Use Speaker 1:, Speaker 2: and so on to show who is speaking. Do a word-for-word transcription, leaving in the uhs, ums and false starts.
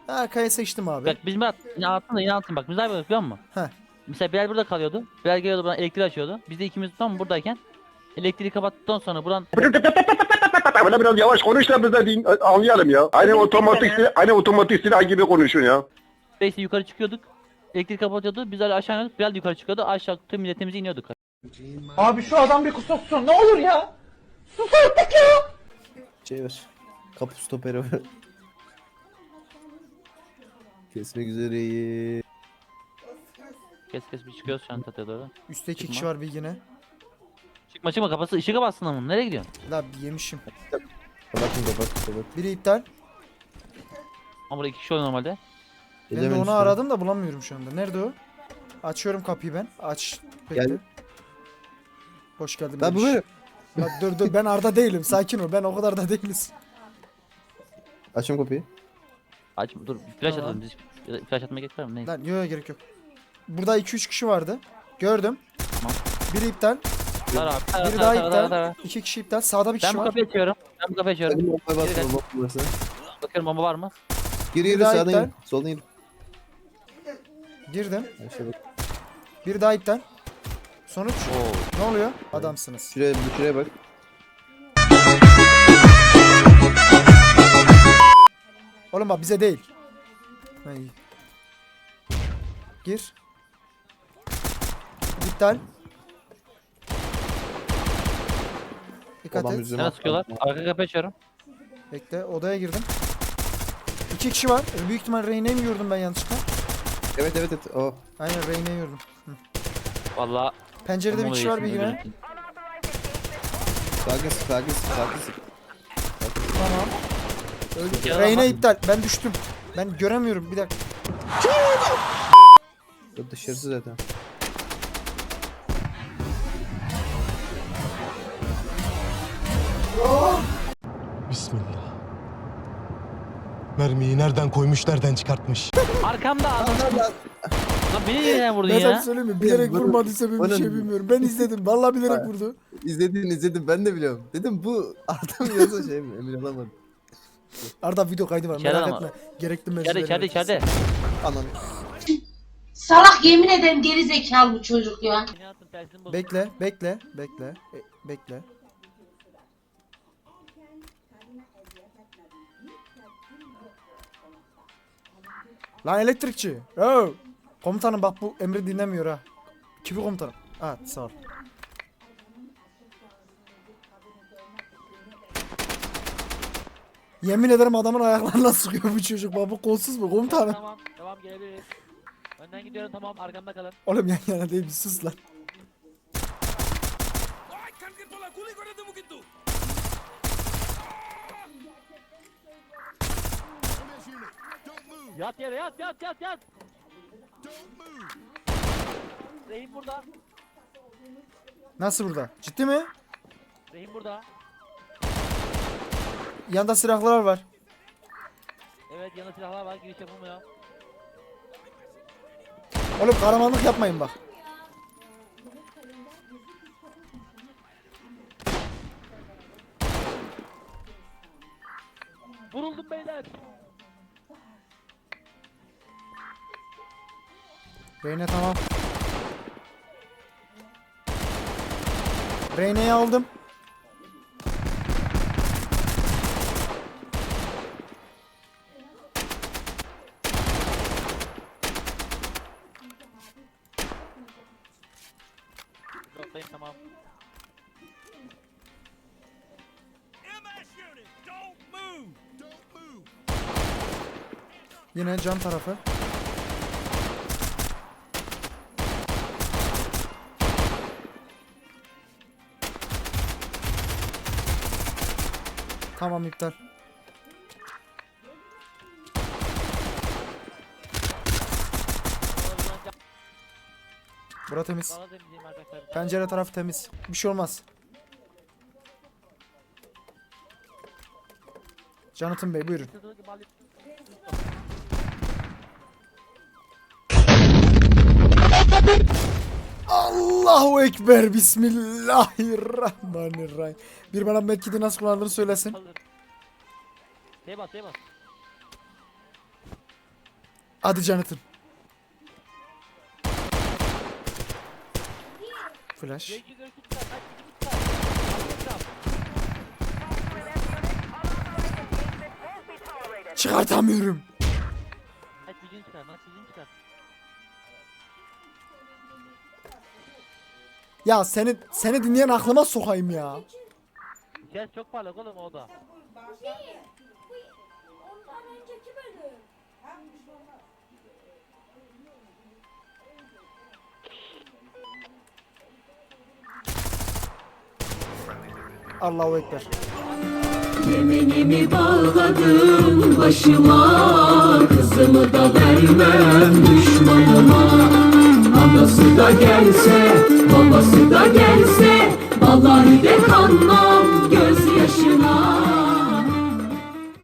Speaker 1: Arkaya seçtim abi.
Speaker 2: Bak biz Murat yine altın da yine altın bak biz ne yapıyorduk biliyor musun?
Speaker 1: Heh.
Speaker 2: Mesela Bilal burada kalıyordu. Bilal geliyordu buradan elektriği açıyordu. Biz de ikimiz tam buradayken elektriği kapattıktan sonra buradan
Speaker 3: Böyle biraz yavaş konuş da biz de din- anlayalım ya. Aynı otomatik sil- aynı otomatik silah gibi konuşun ya.
Speaker 2: Space'e yukarı çıkıyorduk. Elektrik kapatıyordu. Biz öyle aşağı iniyorduk. Bilal de yukarı çıkıyordu. Aşağı tüm milletimizi iniyorduk.
Speaker 4: Abi şu adam bir kusursun ne olur ya. Sus artık ya.
Speaker 5: Şey ver. Kapı stoperi ver. Kesmek üzereyim.
Speaker 2: Kes kes bir çıkıyoruz şu an tatlıya doğru.
Speaker 1: Üstte iki
Speaker 2: Çıkma.
Speaker 1: kişi var bilgine.
Speaker 2: Çıkma çıkma kafası ışığı kapatsın ama nereye gidiyorsun?
Speaker 1: La yemişim.
Speaker 5: Kapatın kapat kapat.
Speaker 1: Biri iptal.
Speaker 2: Ama burada iki kişi oluyor normalde.
Speaker 1: Ben de
Speaker 5: Edemedim
Speaker 1: onu
Speaker 5: şu an.
Speaker 1: aradım da bulamıyorum şu anda. Nerede o? Açıyorum kapıyı ben. Aç. Bekle.
Speaker 5: Gel.
Speaker 1: Hoş geldin.
Speaker 5: Ben bu
Speaker 1: Memiş.
Speaker 5: benim.
Speaker 1: La dur dur ben Arda değilim. Sakin ol. Ben o kadar da değiliz.
Speaker 5: Açın kapıyı.
Speaker 2: Aç dur flash
Speaker 1: Tamam.
Speaker 2: atalım biz. Ya da Flash atmaya gerek var mı? Neyse.
Speaker 1: Lan yok yok gerek yok. Burada iki üç kişi vardı. Gördüm.
Speaker 2: Tamam.
Speaker 1: Biri iptal.
Speaker 2: Tara abi. Tara
Speaker 1: Biri
Speaker 2: tara
Speaker 1: daha
Speaker 2: tara tara
Speaker 1: iptal.
Speaker 2: tara.
Speaker 1: İki kişi iptal. Sağda bir
Speaker 2: Ben
Speaker 1: kişi
Speaker 2: bu
Speaker 1: var.
Speaker 2: kapıyı açıyorum. Ben bu kapıyı açıyorum.
Speaker 5: Hadi bombaya
Speaker 2: Geri
Speaker 5: bas.
Speaker 2: kaç.
Speaker 5: Bomba varsa.
Speaker 2: Bakıyorum bomba var mı?
Speaker 5: Gir
Speaker 1: Bir
Speaker 5: yürü
Speaker 1: daha
Speaker 5: sağdan
Speaker 1: iptal.
Speaker 5: yürü. Soldan yürü.
Speaker 1: Girdim.
Speaker 5: Aşağı bak.
Speaker 1: Biri daha iptal. Sonuç.
Speaker 2: Oo.
Speaker 1: Ne oluyor? Adamsınız.
Speaker 5: Şuraya, şuraya bak.
Speaker 1: Oğlum bak bize değil. Ha, iyi. Gir. İptal. Dikkat
Speaker 5: Adam
Speaker 1: et.
Speaker 5: yüzüme
Speaker 2: Nereye
Speaker 5: attı.
Speaker 2: sıkıyorlar? Arka kapıyı açıyorum.
Speaker 1: Bekle. Odaya girdim. İki kişi var. Büyük ihtimal Reyne'yi mi gördüm ben yanlışlıkla?
Speaker 5: Evet evet evet. Oh.
Speaker 1: Aynen Reyne'yi gördüm.
Speaker 2: Valla.
Speaker 1: Pencerede bir kişi var bilgine.
Speaker 5: Sakin sık sakin sık sakin sık.
Speaker 1: Tamam. Öldü.
Speaker 2: Ya,
Speaker 1: Reyne
Speaker 2: bak.
Speaker 1: iptal. Ben düştüm. Ben göremiyorum. Bir dakika.
Speaker 5: O dışarısı zaten.
Speaker 6: Bismillah. Mermiyi nereden koymuş, nereden çıkartmış?
Speaker 2: Arkamda adam. Lan beni neden vurdun
Speaker 1: Ben sana
Speaker 2: ya?
Speaker 1: söyleyeyim mi? Bilerek
Speaker 5: Bana-
Speaker 1: vurmadıysa ben bir
Speaker 5: bana-
Speaker 1: şey bilmiyorum. Ben izledim. Vallahi bilerek vurdu.
Speaker 5: İzledin izledim ben de biliyorum. Dedim bu adam yazı şey mi? Emin olamadım.
Speaker 1: Arda video kaydı var.
Speaker 2: İçeride
Speaker 1: Merak
Speaker 2: ama.
Speaker 1: etme. Gerekli
Speaker 2: İçeride
Speaker 1: meclisleri
Speaker 2: içeride içeride.
Speaker 5: Anan.
Speaker 7: Salak yemin ederim geri zekalı bu çocuk ya.
Speaker 2: Beni atın, tersini bozun.
Speaker 1: Bekle, bekle, bekle, e, bekle. Lan elektrikçi. Yo. Komutanım bak bu emri dinlemiyor ha. Kimi komutanım? Ha sağ ol. Yemin ederim adamın ayaklarına sıkıyor bu çocuk. Bak bu kolsuz mu komutanım?
Speaker 2: Tamam tamam gelebiliriz. Önden gidiyorum tamam arkamda kalın.
Speaker 1: Oğlum yan yana değil bir sus lan.
Speaker 2: Yat yere yat yat yat yat. Rehin burada.
Speaker 1: Nasıl burada? Ciddi mi?
Speaker 2: Rehin burada.
Speaker 1: Yanda silahlar var.
Speaker 2: Evet yanında silahlar var giriş yapılmıyor.
Speaker 1: Oğlum kahramanlık yapmayın bak.
Speaker 2: Vuruldum beyler.
Speaker 1: Reyne tamam. Reyne'yi aldım.
Speaker 2: Noktayım tamam.
Speaker 1: Yine cam tarafı. Tamam iptal. Bura temiz.
Speaker 2: Bana temizleyeyim arkadaşlar.
Speaker 1: Pencere tarafı temiz. Bir şey olmaz. Jonathan Bey buyurun. Allahu Ekber. Bismillahirrahmanirrahim. Bir bana medkiti nasıl kullanıldığını söylesin.
Speaker 2: Hazır. Şey bas şey bas.
Speaker 1: Hadi Jonathan. Flash. Çıkartamıyorum.
Speaker 2: Maç gücünü çıkar, maç gücünü çıkar.
Speaker 1: Ya seni seni dinleyen aklıma sokayım ya.
Speaker 2: Ses çok parlak oğlum o da.
Speaker 1: Allahu ekber.
Speaker 8: Yemenimi bağladım başıma, kızımı da vermem düşmanıma. Anası da gelse, babası da gelse, vallahi de kanmam